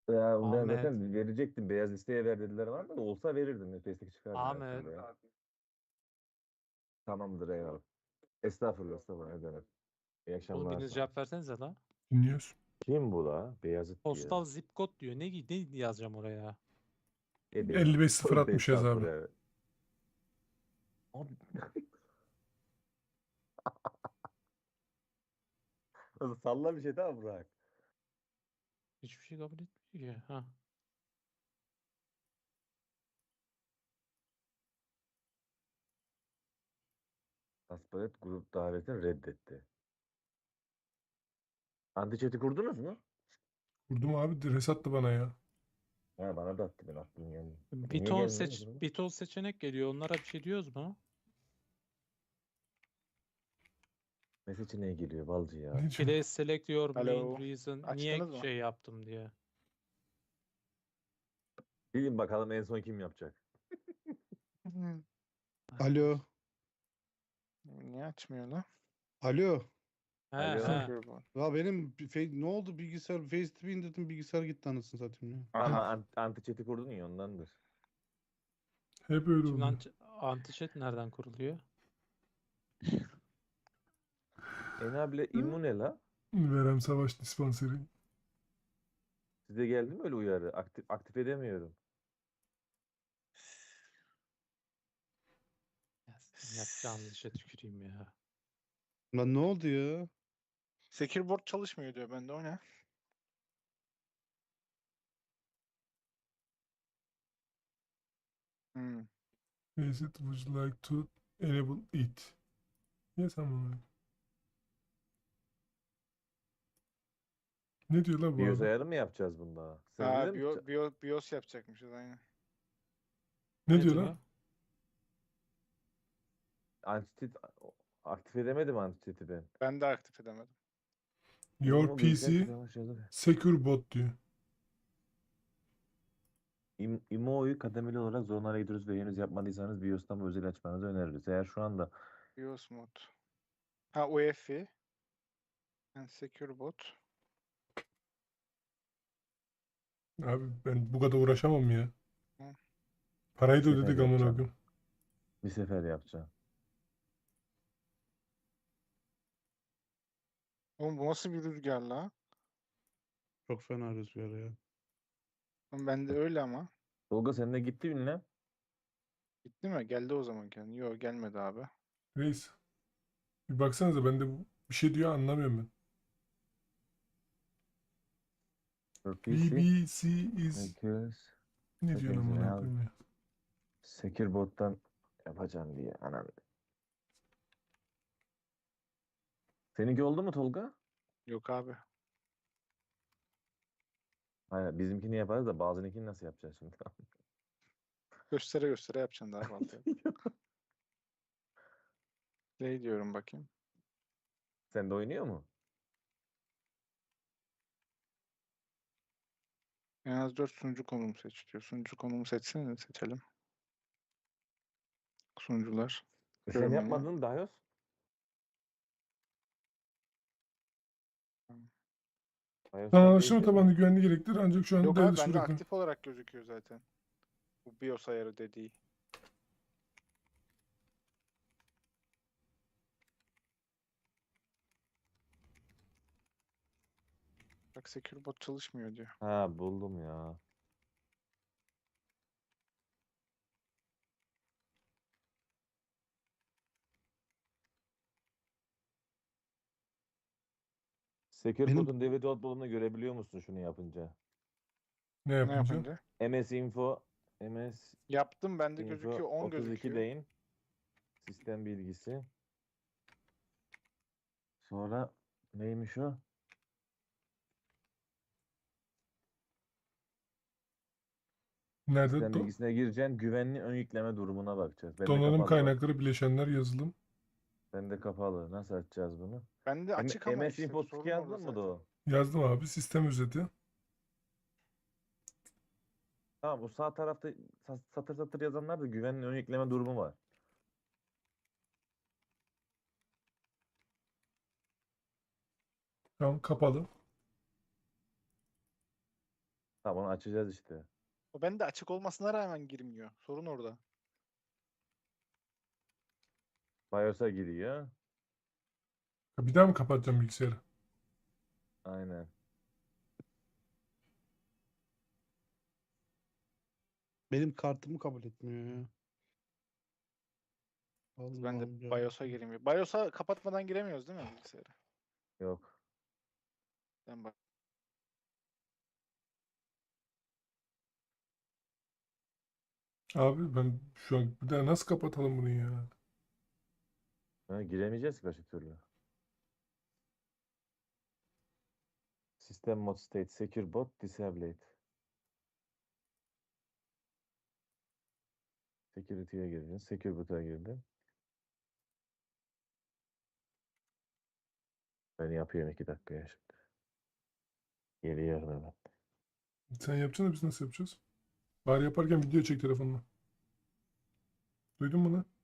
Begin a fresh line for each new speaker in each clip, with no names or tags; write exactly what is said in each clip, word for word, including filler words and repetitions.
Ya ben
Ahmet.
zaten verecektim. Beyaz listeye ver dediler var da olsa verirdim. Nefeslik çıkardım her
Ahmet.
türlü ya. Tamamdır eyvallah. Estağfurullah estağfurullah. Ne demek. İyi
Oğlum
akşamlar
biriniz
sana.
cevap versenize la.
Dinliyoruz.
Kim bu la? Beyazıt diyor.
Postal zip kod diyor. Ne, ne yazacağım oraya?
Ebenin.
elli beş sıfır
Tövbe
altmış yaz abi.
estağfurullah. Abi, salla bir şey daha bırak.
Hiçbir şey kabul etmiyor ki. Ha.
Aspalet grup davetini reddetti. Antiçeti kurdunuz mu?
Vurdum abi. Res attı bana ya.
Ha bana da attı ben aklım geldi.
Bir
Niye
ton
gelmiyor bu
seç,
gruba?
bir ton seçenek geliyor. Onlara bir şey diyoruz mu?
Ne seçeneğe geliyor balcı ya?
Ne diyeceğim?
Please select your main
Alo.
reason. Niye
Açtınız mı?
şey yaptım diye.
Bilin bakalım en son kim yapacak?
Alo. Niye açmıyor lan? Alo.
He
Alo.
he.
Secure bu.
Ya benim bir fe- ne oldu bilgisayar FaceTV indirdim bilgisayar gitti anasını satayım ya.
Ama
Aha.
an- antiçeti kurdun ya ondandır.
Hep öyle
Şimdi
oluyor.
anti, anti-chat nereden kuruluyor?
Enable immune la.
Verem Savaş Dispanseri.
Size geldi mi öyle uyarı? Aktif, aktif edemiyorum.
Ya senin yapacağın işe tüküreyim ya.
Lan ne oldu ya?
Secure board çalışmıyor diyor bende, o ne? Hmm.
Is it would you like to enable it? Yes ama. Ne diyor la bu
BIOS
abi?
ayarı mı yapacağız bunda? Sen
Ha,
bilir misin?
Bio, Bio, BIOS yapacakmışız aynen.
Ne
Ne
diyor
diyor?
la?
Antiçet aktif edemedim antiçeti ben.
Ben de aktif edemedim.
Your
Bunu
P
bilgisayar
C
çalışıyordu.
Secure Bot diyor.
İm- İMO'yu kademeli olarak zorunlara gidiyoruz ve henüz yapmadıysanız BIOS'tan bu özel açmanızı öneririz. Eğer şu anda
BIOS mod. Ha, U E F I. Yani Secure bot.
Abi ben bu kadar uğraşamam ya.
Hı.
Parayı da
Bir sefer
ödedik amına
yapacağım.
koyayım.
bir sefer yapacağım.
Oğlum bu nasıl bir rüzgar la?
Çok fena rüzgar ya.
Oğlum bende öyle ama.
Tolga sen de gitti ünlem.
Gitti mi? Geldi o zaman kendi. Yok, gelmedi abi.
Reis. Bir baksanıza ben de bu- bir şey diyor anlamıyorum ben.
P C.
B B C is
Secure.
ne diyor
Settings
amına
ya.
koyayım ya.
Secure bot'tan yapacağım diye. Anam. Seninki oldu mu Tolga?
Yok abi.
Hayır bizimkini yaparız da bazınkini nasıl yapacağız şimdi?
Göstere göstere yapacaksın daha fazla. Ne diyorum bakayım.
Sen de oynuyor mu?
En az dört sunucu konumu seç diyor. Sunucu konumu seçsene, seçelim. Sunucular.
E sen
Görmüyor
yapmadın mı Dayos? Dayos sen
Anlaşılma
değiştirdin
tabanlı
mi?
güvenliği gerektirir ancak şu an
Yok
devre
abi,
dışı
bende
bırakıyor.
aktif olarak gözüküyor zaten. Bu BIOS ayarı dediği. Bak, Secure bot çalışmıyor diyor.
Ha buldum ya. Secure
Benim-
bot'un D V D output'unu görebiliyor musun şunu yapınca?
Ne
Ne
yapınca?
yapınca?
M S Info M S
Yaptım, bende
Info
gözüküyor. on
otuz iki
gözüküyor.
deyin. Sistem bilgisi. Sonra neymiş o?
Nerede?
Sistem
Do-
bilgisine gireceksin. Güvenli ön yükleme durumuna bakacağız. Bende
donanım
kapalı bak.
kaynakları bileşenler yazılım.
Bende kapalı. Nasıl açacağız bunu?
Bende açık ama
M S
işte
Info otuz iki
sorun orada
yazdın mı
zaten.
da o?
Yazdım abi sistem özeti.
Tamam bu sağ tarafta sa- satır satır yazanlar da güvenli ön yükleme durumu var.
Tamam kapalı.
Tamam onu açacağız işte.
O bende açık olmasına rağmen girmiyor. Sorun orada.
BIOS'a giriyor.
Ha, bir daha mı kapatacağım bilgisayarı?
Aynen.
Benim kartımı kabul etmiyor ya. Allah
Ben de
Allah.
BIOS'a giremiyor. BIOS'a kapatmadan giremiyoruz değil mi bilgisayara?
Yok.
Ben bak.
Abi ben şu an bir daha nasıl kapatalım bunu ya?
Ha, giremeyeceğiz ki başka türlü. System mode state secure bot disabled. Security'ye girdin. Secure bot'a girdin. Ben yapıyorum iki dakikaya şimdi. Geliyorum hemen.
Sen yapacaksın da biz nasıl yapacağız? Bari yaparken video çek telefonla. Duydun mu lan?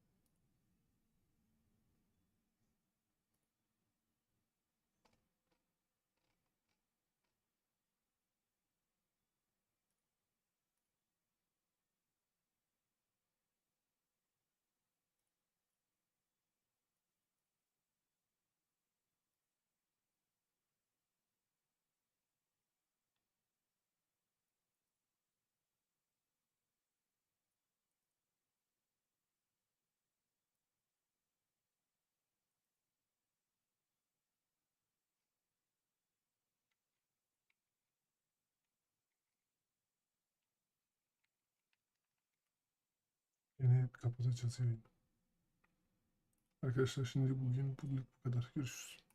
Yine kapatacağız yayını. Arkadaşlar şimdi bugün bugün bu kadar. Görüşürüz.